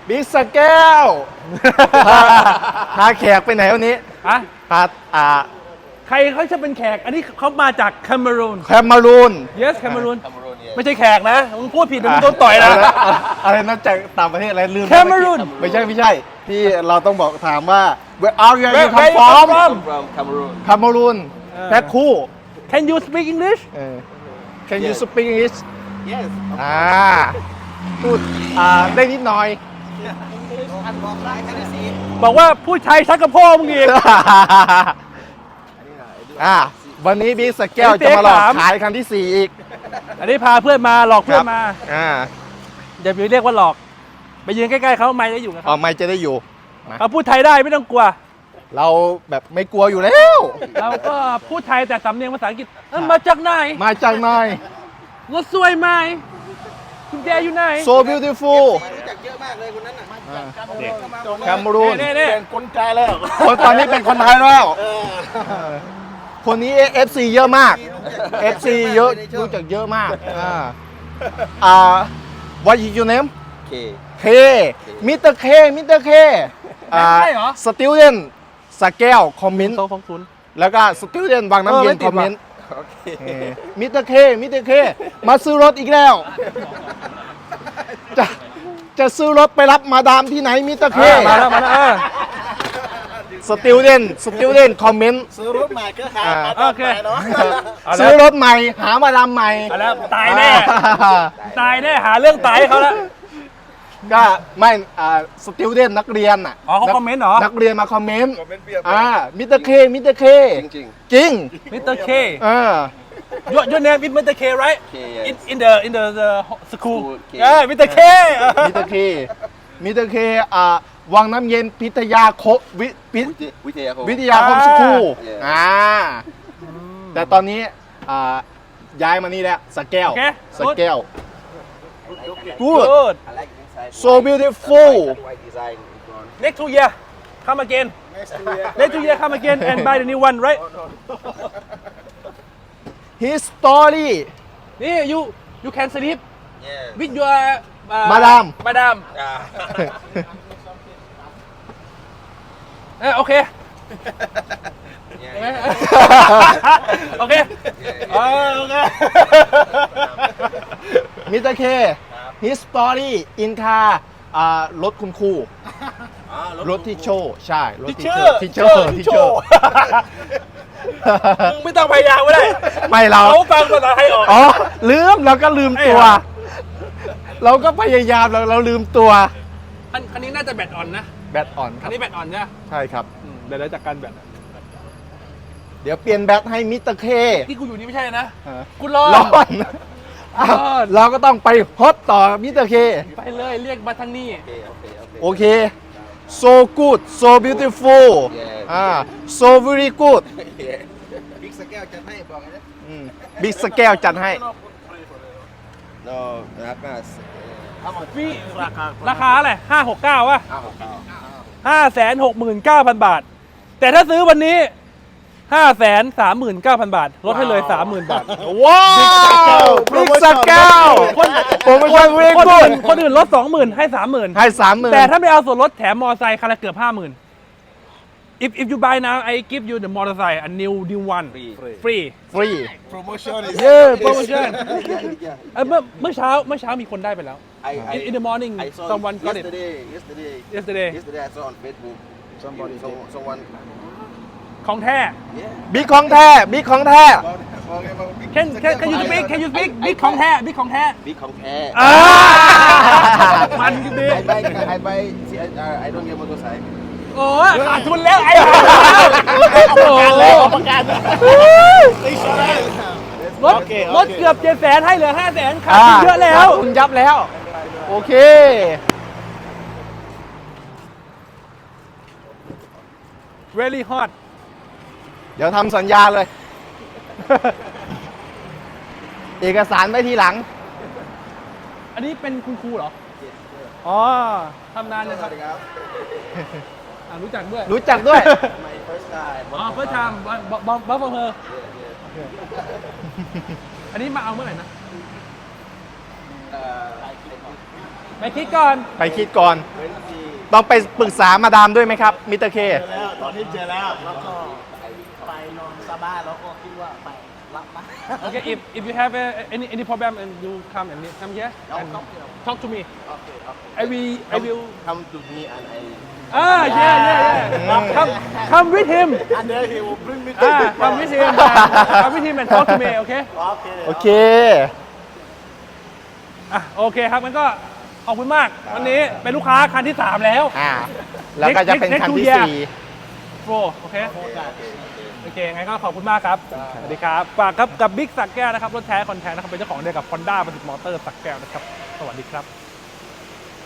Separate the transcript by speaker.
Speaker 1: บิ๊กสแก้วพาแขกไปไหนวันนี้
Speaker 2: อะ
Speaker 1: พา
Speaker 2: ใครเขาจะเป็นแขก อันนี้เขามาจากแคเมรูน
Speaker 1: แคมรูน
Speaker 2: yes แคเมรูนไม่ใช่แขกนะมึงพูดผิดเดี๋ยวมึงโดนต่อยนะ
Speaker 1: อะไรนะจากต่างประเทศอะไรลืม
Speaker 2: แคเมรูน
Speaker 1: ไม่ใช่ที่เราต้องบอกถามว่า where are you
Speaker 2: Where
Speaker 1: come
Speaker 2: you come
Speaker 1: from
Speaker 2: from?
Speaker 3: From Cameroon.
Speaker 1: แคมรูนแพ็คคู่
Speaker 2: Can you speak English
Speaker 1: Can you speak English
Speaker 3: Yes.
Speaker 1: พูดได้นิดหน่อย
Speaker 2: บอกว่าผู้ชายชักกระโพ่อมึงอีก
Speaker 1: วันนี้บิ๊กสแก้วจะมาหลอกขายคันที่ 4 อีก
Speaker 2: อันนี้พาเพื่อนมาหลอกเพื่อนมา
Speaker 1: อ่า
Speaker 2: อย่าไปเรียกว่าหลอก ไปยืนใกล้ๆเขาไม่ได้อยู่กับ
Speaker 1: อ๋อ
Speaker 2: เขา
Speaker 1: ไม่จะได้อยู่
Speaker 2: เขาพูดไทยได้ไม่ต้องกลัว
Speaker 1: เราแบบไม่กลัวอยู่แล้ว
Speaker 2: เราก็พูดไทยแต่สำเนียงภาษาอังกฤษมาจากไหน
Speaker 1: มาจากไหน
Speaker 2: รถสวยไหมคุณแจอยู่ไหน
Speaker 1: so beautiful
Speaker 3: รู้จักเยอะมากเลยคนนั้นน่ะ
Speaker 1: แคมรูน
Speaker 2: นี่
Speaker 3: เป็นคนใจแล้ว
Speaker 1: คนตอนนี้เป็นคนไทยแล้วคนนี้ FC เยอะมาก FC เยอะรู้จักเยอะมากwhat is your name
Speaker 3: เค
Speaker 1: K มิสเตอร์เคสติลเดนสแก้วคอมเมนต์
Speaker 2: โซ่ฟองศูนย์
Speaker 1: แล้วก็สติลเดนวังน้ำเย็น
Speaker 2: ไม่ติ
Speaker 1: ค
Speaker 2: ด
Speaker 1: อมเมนต์
Speaker 3: โอเค
Speaker 1: มิสเตอร์เคมาซื้อรถอีกแล้ว จะซื้อรถไปรับมาดามที่ไหนมิสเตอร์เค
Speaker 2: มาแล้ว
Speaker 1: สติลเดนคอมเมนต์
Speaker 3: ซื้อรถใหม่ก็หา
Speaker 2: โอเค
Speaker 3: เนาะ
Speaker 1: ซื้อรถใหม่หามาดามใหม่
Speaker 2: เอาแล้วตายแน่ ตายแน่หาเรื่องตายให้เขาแล้ว
Speaker 1: ก็ไม่สติลเดนนักเรียนอ่ะ
Speaker 2: อ๋อเขาคอมเมนต์เหรอ
Speaker 1: นักเรียนมาคอมเมนต์มิสเตอร์เค
Speaker 3: จริง
Speaker 1: จริง
Speaker 2: มิสเตอร์เค your name is Mr. K right
Speaker 3: K, yes.
Speaker 2: in the school
Speaker 3: School, K.
Speaker 2: Mr. K
Speaker 1: มิสเตอร์เควังน้ำเย็นพิทยาวิทยาคมสคูล แต่ตอนนี้ย้ายมานี่แล้วสแก้ว
Speaker 2: โอเค
Speaker 1: สแก้ว
Speaker 2: good
Speaker 3: I like inside.
Speaker 1: So beautiful.
Speaker 3: White design in front.
Speaker 2: next 2 year come again next 2 year come again and buy the new one right
Speaker 1: his story
Speaker 2: นี่ you can sleep
Speaker 3: Yeah.
Speaker 2: with your
Speaker 1: Madam
Speaker 2: โอเค
Speaker 3: Yeah.
Speaker 2: โอเคโอเค
Speaker 1: มิสเตอร์เค his story in car รถคุณครูรถที่โชว์ใช่รถที่โชว์ที่โชว์
Speaker 2: มึงไม่ต้องพยายามก็ได้
Speaker 1: ไม่เรา
Speaker 2: เขาฟังภาษาไทยออก
Speaker 1: อ๋อเราก็ลืมตัว เราก็พยายามเราลืมตัว
Speaker 2: คันนี้น่าจะแบตอ่อนนะ
Speaker 1: แบตอ่อนค
Speaker 2: คั
Speaker 1: รั
Speaker 2: น
Speaker 1: บ
Speaker 2: นี้แบตอ่อนใช่ไหม
Speaker 1: ใช่ครับ
Speaker 2: เดี๋ยวจัดการแบต
Speaker 1: เดี๋ยวเปลี่ยนแบตให้มิสเตอร์เค
Speaker 2: ที่กูอยู่นี่ไม่ใช่นะ
Speaker 1: ฮะ
Speaker 2: กูรอ
Speaker 1: ร้อนอ้าวเราก็ต้องไปฮอตต่อมิสเตอร์เค
Speaker 2: ไปเลยเรียกมาทางนี้
Speaker 3: Okay.
Speaker 1: โอเค so good so beautiful
Speaker 3: Yeah.
Speaker 1: so very good
Speaker 3: Yeah. Big สแก้วจะให้บอกนะ
Speaker 1: บิ๊กสแก้วจัดให้
Speaker 3: No, not us.
Speaker 2: พี่ราคาอะไร569วะ 569,000 บาท แต่ถ้าซื้อวันนี้ 539,000 บาท ลดให้เลย 30,000 บาท
Speaker 1: ว้าวบิ๊กสแก้วโปรโมชั่นเวก
Speaker 2: คนอื่นลด 20,000 ให้ 30,000
Speaker 1: ให้30,000
Speaker 2: แต่ถ้าไม่เอาส่วนลดแถมมอเตอร์ไซค์คันละเกือบ 50,000 if you buy now I give you the motorcycle a new one free
Speaker 1: ฟรี
Speaker 3: Promotion is.
Speaker 2: promotion เมื่อเช้ามีคนได้ไปแล้ว in the morning
Speaker 3: I saw
Speaker 2: someone got it
Speaker 3: yesterday.
Speaker 2: yesterday
Speaker 3: I saw on Facebook. Someone.
Speaker 2: ของแท้
Speaker 3: Yeah.
Speaker 1: บิ๊กของแท้บิ๊กของแท้
Speaker 2: can you speak big ของแท้ big ของแท้
Speaker 3: Big ของแท้
Speaker 2: มันดี
Speaker 3: I buy. See, I don't get motorcycle.
Speaker 2: โอ้ยขาดทุนแล้วไอ้รถเกือบ700,000ให้เหลือ500,000ขาดทุนเยอะแล้ว
Speaker 1: คุณยับแล้ว โอเค
Speaker 2: very hot
Speaker 1: เดี๋ยวทำสัญญาเลย เอกสารไว้ทีหลัง
Speaker 2: อันนี้เป็นคุณครูเหรอ อ๋อทำนานยังครับรู้จักด้วย
Speaker 1: รู้จักด้วย
Speaker 3: My first time.
Speaker 2: อ๋อเพื่อทำบัฟเฟอร์อันนี้มาเอาเมื่อไหร่นะไปคิดก่อน
Speaker 1: ไปคิดก่อน ต้องไปปรึกษามาดามด้วยไหมครับมิสเตอร์เค
Speaker 4: แล้วตอนนี้เจอแล้วแล้วก็ไปนอนสบายแล้วก็คิดว่าไปรับมา
Speaker 2: Okay, if you have any problem and you come here and talk to me. I will.
Speaker 3: Come to me and I.
Speaker 2: Yeah. Come with him.
Speaker 4: and then he will bring me
Speaker 2: Come with him. Come with him and talk to me. Okay.
Speaker 1: โอเค
Speaker 2: โอเคครับงั้นก็ขอบคุณมาก วันนี้เป็นลูกค้าคันที่ 3 แล้ว
Speaker 1: แล้วก็จะเป็นคันที่
Speaker 2: Next
Speaker 1: 4
Speaker 2: โปรโอเคโอเคงั้นก็ขอบคุณมากครับ สวัสดีครับฝากครับกับบิ๊กสักแก้วนะครับ รถแท้คอนแทนนะครับ เป็นเจ้าของเดียวกับ Honda ประสิทธิ์มอเตอร์สักแก้วนะครับ สวัสดีครับ